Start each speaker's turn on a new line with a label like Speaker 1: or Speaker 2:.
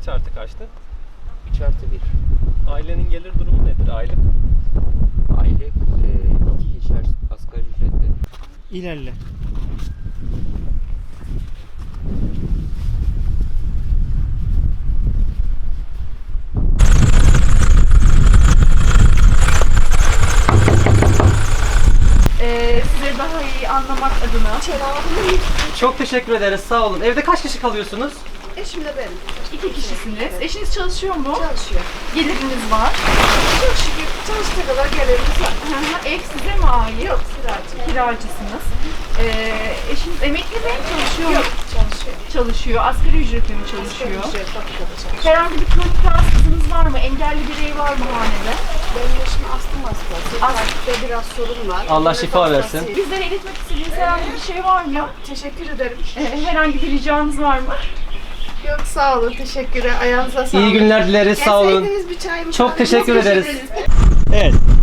Speaker 1: Kaç artı kaçtı?
Speaker 2: 3 artı 1.
Speaker 1: Ailenin gelir durumu nedir aylık?
Speaker 2: Aylık 2 kişi asgari ücretle.
Speaker 3: İlerle.
Speaker 4: Size daha iyi anlamak adına.
Speaker 1: Çok teşekkür ederiz. Sağ olun. Evde kaç kişi kalıyorsunuz?
Speaker 5: Eşimle benim.
Speaker 4: 2 kişisiniz. Eşiniz çalışıyor mu?
Speaker 5: Çalışıyor.
Speaker 4: Geliriniz var.
Speaker 5: Çok şükür çalıştığı kadar gelirimiz var.
Speaker 4: Ev size mi ait?
Speaker 5: Yok, kiracı.
Speaker 4: Kiracısınız. Eşiniz emekli mi? Çalışıyor mu?
Speaker 5: Yok, çalışıyor.
Speaker 4: Çalışıyor. Asgari ücretle mi çalışıyor?
Speaker 5: Ücret fabrikada çalışıyor.
Speaker 4: Herhangi bir kronik rahatsızlığınız var mı? Engelli birey var mı hanede?
Speaker 5: Benim eşim astım hastası. Kalpte biraz sorun var.
Speaker 1: Allah
Speaker 5: Nefes
Speaker 1: şifa versin.
Speaker 5: hastası.
Speaker 4: Bizlere iletmek istediğiniz herhangi bir şey var mı?
Speaker 5: Teşekkür ederim.
Speaker 4: Herhangi bir ricanız var mı?
Speaker 5: Yok, sağ olun. Teşekkür ederim. Ayağınıza sağlık.
Speaker 1: İyi günler dileriz. Sağ olun.
Speaker 5: Gelseydiniz bir çay mı?
Speaker 1: Çok
Speaker 5: kahve mi?
Speaker 1: teşekkür ederiz.
Speaker 3: Evet.